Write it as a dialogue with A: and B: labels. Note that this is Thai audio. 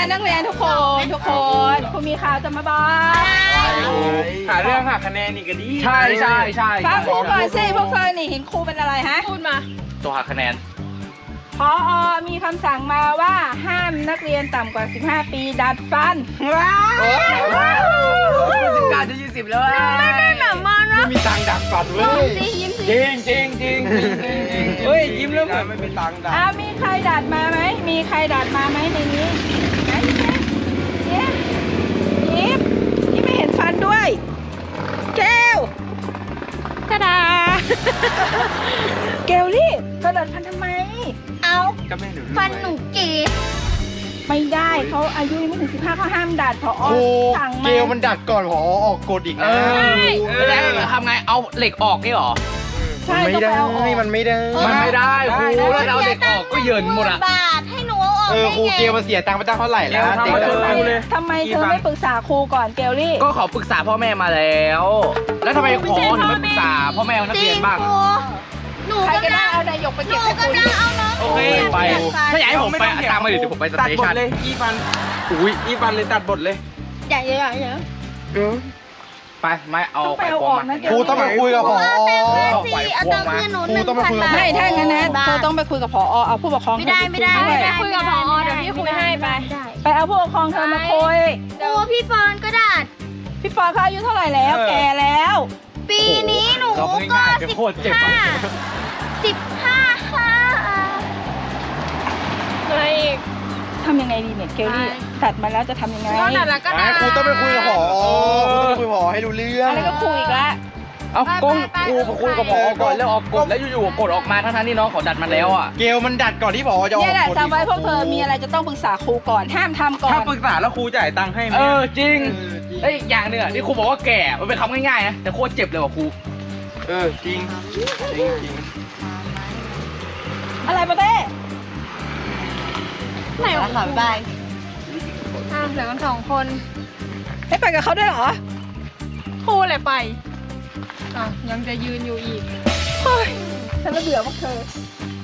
A: นักเรียนทุกคนครูมีข่าวจะมาบอก
B: หาเรื่องหักคะแนนนี่ก็ดี
C: ใช่
A: ฟังครูก่อนสิพวกเธอนี่เห็นครูเป็นอะไรฮะ
D: พูดมา
C: ตัวหักคะแนน
A: พอมีคำสั่งมาว่าห้ามนักเรียนต่ำกว่า 15 ปีดัดฟันว้าว
C: การจะ20แล้ว
D: ไม่ได้แบบมานะ
B: ไม่มีตังค์ดักฟันเว้ย
D: ยิ้มสิ
C: จริง
B: เฮ้ยยิ้มแล้วเหมือนไม่มีตังค์ดัก
A: มีใครดัดมาไหมมีใครดัดมาไหมในนี้ไหนยิ้มไม่เห็นฟันด้วยแก้วตาดาเกลลี่เธอดัดฟันทำไม
D: เอา
B: ก็ไม่หนู
D: ฟันหนูเก๋
A: ไม่ได้เขาอายุยังไม่ถึง15เขาห้ามดัดพอ
E: ครู
A: สั่ง
E: เก
A: มา
E: ลมันดัดก่อนพอออกกฎอีกนะ
C: ไม่ได้ทำไงเอาเหล็กออกนี่หรอ
A: ใช่
E: ไม่
A: ต้อง
E: ได้
A: ไปเอาออก
E: มันไม่ได้
C: มันไม่ได้ครูแล้วเอาเหล็กออกก็เยินหมดอ่ะ
D: บาทให้หนูเอาออก
E: ครูเกลมาเสียตังค์ไปตั้งเท่าไหร่แล้วเด็ก
A: ทำไมเธอไม่ปรึกษาครูก่อนเกลลี่
C: ก็ขอปรึกษาพ่อแม่มาแล้ว แล้วทำไมขอถึงไม่ปรึกษาพ่อแม่นัก
D: จริ
C: เรีย
D: ง
C: นบ้าง
D: ครูหนู
A: ใครก็
D: กำ
A: ได้
D: ลัง
A: เอานายกไป
D: ห
A: เก็บ
D: นู
A: ให้ครู
D: กำลังเอาน้อง
C: โอเคไปถ้าอยากให้ผมไปตามมาเดี๋ยวผมไปส
B: ตัด
C: เต
B: บท
C: ชัน
B: เลยอีฟันอุ้ยอีฟันเลยตัดบทเลย
D: อย่า
C: ไปไม่เอา
A: ต้อง
C: ไป
A: ไปเอา
C: ก
A: อ
C: ว
A: อก
C: ง
A: นะ
C: มา
A: เกล
E: ครูต้องไปคุยกับพอ
D: เอาตังค์คืนหนู
E: ครูต้องไปคุยกับ
A: ไม่ถ้างั้นนะเธอต้องไปคุยกับผอเอาผู้ปกครอง
D: ไม่ได้
A: เธอป
D: คุยกับพอเดี๋ยวพี่คุยให้ไป
A: ไปเอาผู้ปกครองเธอมาคุย
D: ครูพี่ปอนก็ดัด
A: พี่ปอเขาอายุเท่าไหร่แล้วแก่แล้ว
D: ปีนี้หนูก็15ค่ะอะไรอีก
A: ทำยังไงดีเนี่ยเกลลี่ตัดมาแล้วจะทำยังไง
D: ก็ดัดแล้วก็ดัด
E: ครูต้องไปคุยกับพอคุยพอให้รู้เรื่อง
A: อะไรก็คุยอีกแล้ว
C: เอากงครูคุยกับพอก่อนแล้วออกกฎแล้วอยู่ๆกฎออกมาทั้งที่น้องขอดัดมาแล้วอ่ะ
E: เกลมันดัดก่อนที่พอจะออ
A: เนี่ย
E: ก
A: แหละ
E: กฎ
A: จำไว้พวกเธอมีอะไรจะต้องปรึกษาครูก่อนห้ามทำก่อ
B: ถ้าน ปรึกษาแล้วครูจ่ายตังค์ให้ไหม
C: จริงแล้วอีกอย่างหนึ่งอ่ะที่ครูบอกว่าแก่มันเป็นคำง่ายๆนะแต่โคตรเจ็บเลยว่ะครู
B: จริง
A: อะไรปะเต้
D: ไหนวะค่ะบ๊ายบายเหลือกัน2 คน
A: ไม่ไปกับเขาด้วยเหรอ
D: ครูเลยไปยังจะยืนอยู่อีก
A: เฮ้ยฉันระเบื่อพวกเธอ